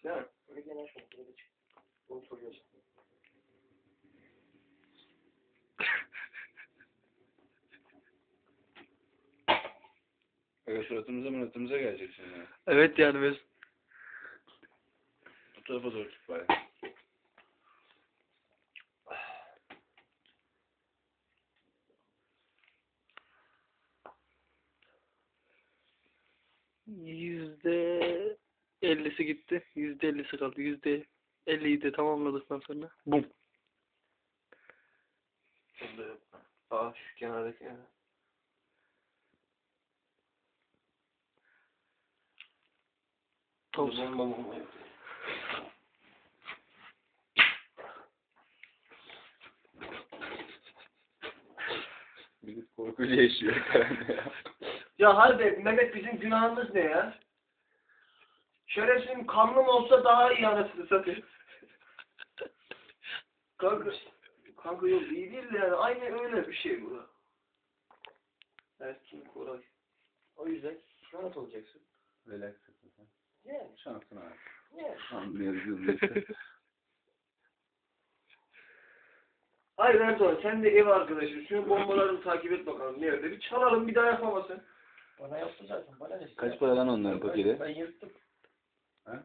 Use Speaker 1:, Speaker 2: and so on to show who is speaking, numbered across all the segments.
Speaker 1: Değil mi? Öyle genel şey. Böyle çık. Bunu soruyorsun.
Speaker 2: Suratımıza geleceksin ya.
Speaker 3: Evet yani biz.
Speaker 2: Bu tarafa doğru tut bari.
Speaker 3: %50'si gitti. %50'si kaldı. %50'yi de tamamladıktan sonra. Bum.
Speaker 1: Şurada yok. Aa şu kenardaki yani.
Speaker 3: Toz.
Speaker 1: Bomba.
Speaker 2: Millet korkuyla yaşıyor herhalde ya.
Speaker 1: Ya harbi Mehmet bizim günahımız ne ya? Şerefsizim kanlım olsa daha iyi anasını satayım. Kanka yok iyi değil de yani aynı öyle bir şey bu. Erkin Koray. O yüzden rahat olacaksın.
Speaker 2: Relax sen.
Speaker 1: Yani.
Speaker 2: Şansın abi.
Speaker 1: Yani.
Speaker 2: Anlıyoruz işte.
Speaker 1: Hayır Erdoğan sen de ev arkadaşın. Şunu bombalarını takip et bakalım. Ne öyle bir çalalım bir daha yapamasın. Bana yaptı zaten. Bana ne?
Speaker 2: Kaç para lan onların paketi?
Speaker 1: Ben yırttım.
Speaker 2: Ha?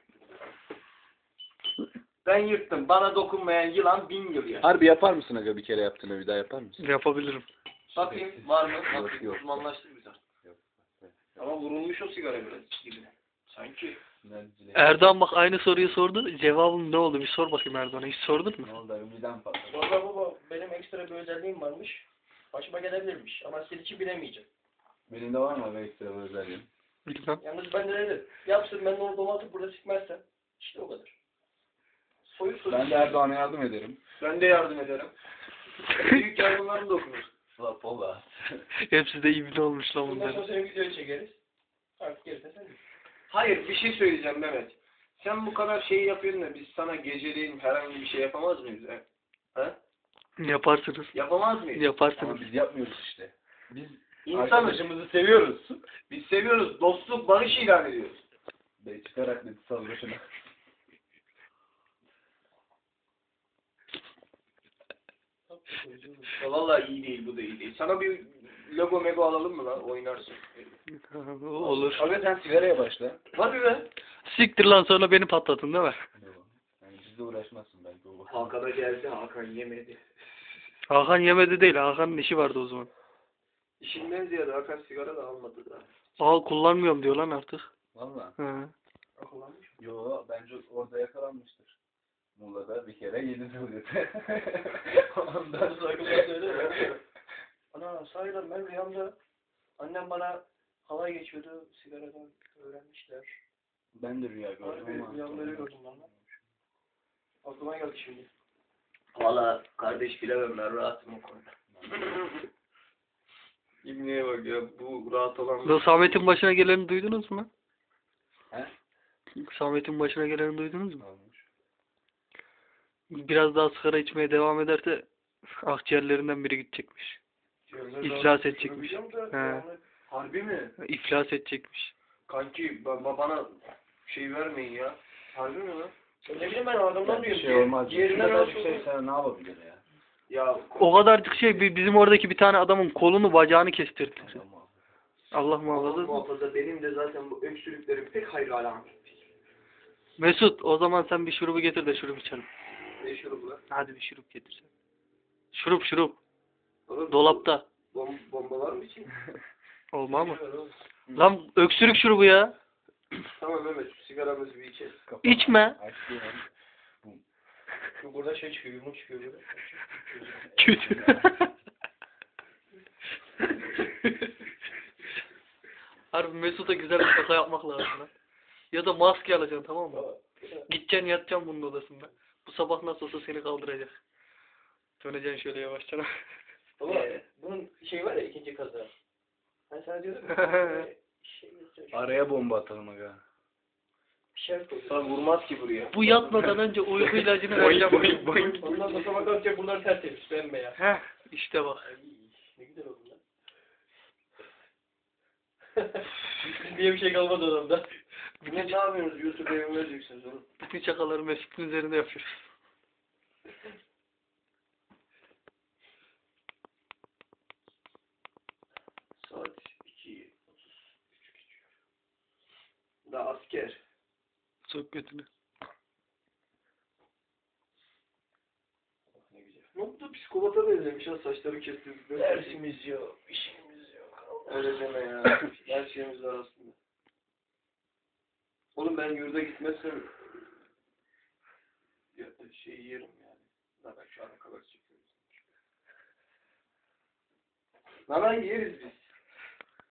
Speaker 1: Ben yırttım. Bana dokunmayan yılan 1000 yıl ya.
Speaker 2: Harbi yapar mısın aga, bir kere yaptığını bir daha yapar mısın?
Speaker 3: Yapabilirim.
Speaker 1: Bakayım var mı? Bakayım
Speaker 2: Yok.
Speaker 1: uzmanlaştık biz artık.
Speaker 2: Yok.
Speaker 1: Ama vurulmuş o sigara biraz gibi. Sanki.
Speaker 3: Erdoğan bak aynı soruyu sordu. Cevabım ne oldu? Bir sor bakayım Erdoğan'a. Hiç sordun mu?
Speaker 2: Ne oldu abi, midem patladı.
Speaker 1: Valla baba benim ekstra bir özelliğim varmış. Başıma gelebilirmiş. Ama senin için bilemeyeceğim.
Speaker 2: Benim de var mı abi ekstra bir özelliğim?
Speaker 3: Bilmem.
Speaker 1: Yalnız ben de dedim. Yapsın ben de onu domatıp burada sikmezsem. İşte o kadar. Soyup
Speaker 2: Ben de Erdoğan'a yardım ederim.
Speaker 1: Ben de yardım ederim. Büyük yardımlarım da okunur.
Speaker 2: Valla.
Speaker 3: Hepsi de ibne olmuş lan
Speaker 1: Bundan sonra
Speaker 3: bunların.
Speaker 1: senin videoyu çekeriz. Artık gerisine sen. Hayır bir şey söyleyeceğim Mehmet. Sen bu kadar şeyi yapıyorsun da biz sana geceleyin herhangi bir şey yapamaz mıyız? He?
Speaker 3: Yaparsınız.
Speaker 1: Yapamaz mıyız?
Speaker 3: Yaparsınız.
Speaker 2: Ama biz yapmıyoruz işte. Biz
Speaker 1: İnsanız.
Speaker 2: arkadaşımızı seviyoruz.
Speaker 1: Biz seviyoruz. Dostluk, barış ilan ediyoruz.
Speaker 2: Bey çıkarak net sal başına.
Speaker 1: Ya vallahi iyi değil bu da iyi değil. Sana bir logo mego alalım mı lan? Oynarsın.
Speaker 3: Olur.
Speaker 2: Abi sen sigaraya başla.
Speaker 1: Hadi be.
Speaker 3: Siktir lan sonra beni patlatın değil mi?
Speaker 2: Yani bizle uğraşmazsın belki o.
Speaker 1: Hakan'a geldi. Hakan yemedi.
Speaker 3: Hakan yemedi değil. Hakan'ın işi vardı o zaman.
Speaker 1: İşinden ziyade Hakan sigara da almadı da.
Speaker 3: Al kullanmıyorum diyor lan artık.
Speaker 2: Valla.
Speaker 3: Hı.
Speaker 1: Akıllanmış mı?
Speaker 2: Yo bence orada yakalanmıştır. Muğla'da bir kere yedi oluyor. Ondan sonra
Speaker 1: söyle. Ana sahiden ben rüyamda annem bana halay geçiyordu. Sigaradan öğrenmişler.
Speaker 2: ben de rüya gördüm ama.
Speaker 1: Rüyamda gördüm ben. Aklıma geldi şimdi. Valla kardeş bilemem ben rahatım o konuda. İbniye bak ya bu rahat olan...
Speaker 3: Bu Samet'in başına geleni duydunuz mu?
Speaker 2: He?
Speaker 3: Samet'in başına geleni duydunuz mu?
Speaker 2: Olmuş.
Speaker 3: Biraz daha sigara içmeye devam ederse akciğerlerinden biri gidecekmiş. İflas edecekmiş. He.
Speaker 1: Harbi mi?
Speaker 3: İflas edecekmiş.
Speaker 1: Kanki bana şey vermeyin ya. Harbi mi lan? Ne bileyim ben adamdan
Speaker 2: Bir
Speaker 1: diyorum.
Speaker 2: şey olmaz.
Speaker 1: Yerinden
Speaker 2: Şurada bir
Speaker 1: alsın.
Speaker 2: şey sana ne yapabilir ya?
Speaker 1: Ya
Speaker 3: O kadarcık şey bizim oradaki bir tane adamın kolunu bacağını kestirdi.
Speaker 2: Tamam.
Speaker 3: Allah
Speaker 1: Allah
Speaker 3: muhafaza.
Speaker 1: muhafaza benim de zaten bu öksürüklerim pek hayır alamet.
Speaker 3: Mesut o zaman sen bir şurubu getir de şurup içelim.
Speaker 1: Ne şurubu lan?
Speaker 3: Hadi bir şurup getir sen. Şurup.
Speaker 1: Oğlum,
Speaker 3: Dolapta.
Speaker 1: Bombalar mı için?
Speaker 3: Olmaz mı? Lan öksürük şurubu ya.
Speaker 1: Tamam Mehmet şu sigaramızı bir içelim.
Speaker 3: İçme.
Speaker 1: Burada şey çıkıyor, yumruk çıkıyor burada.
Speaker 3: Kötü. Harbi Mesut'a güzel bir şaka yapmak lazım lan. Ya da maske alacaksın tamam mı? Gideceksin yatacaksın bunun odasında. Bu sabah nasıl olsa seni kaldıracak. Döneceksin şöyle yavaşça.
Speaker 1: Baba bunun şey var ya ikinci kaza. Ben sana diyordum şey
Speaker 2: Araya bomba atalım aga.
Speaker 1: şart koy. Sana vurmaz ki buraya.
Speaker 3: Bu yatmadan önce uyku ilacını vereceğim.
Speaker 1: Ondan sonra sabah kalkacak bunlar tertemiz bembeyaz.
Speaker 3: Heh işte bak.
Speaker 1: Ay, ne güzel oldu lan. diye bir şey kalmadı adamda. Ne yapıyorsunuz? YouTube evime vereceksiniz oğlum.
Speaker 3: Bütün şakaları Mesut'un üzerinde yapıyoruz.
Speaker 1: Saat 2:33 geçiyor. Daha asker.
Speaker 3: Çok kötü.
Speaker 1: Ne güzel.
Speaker 4: Ne da psikopata benzemiş ha, saçları kestirdik.
Speaker 1: Dersimiz yok, işimiz yok. Öyle deme ya. Her şeyimiz var aslında. Oğlum ben yurda gitmezsem ya, şey yerim yani. Zaten şu ana kadar çekiyoruz. Nanay yeriz biz.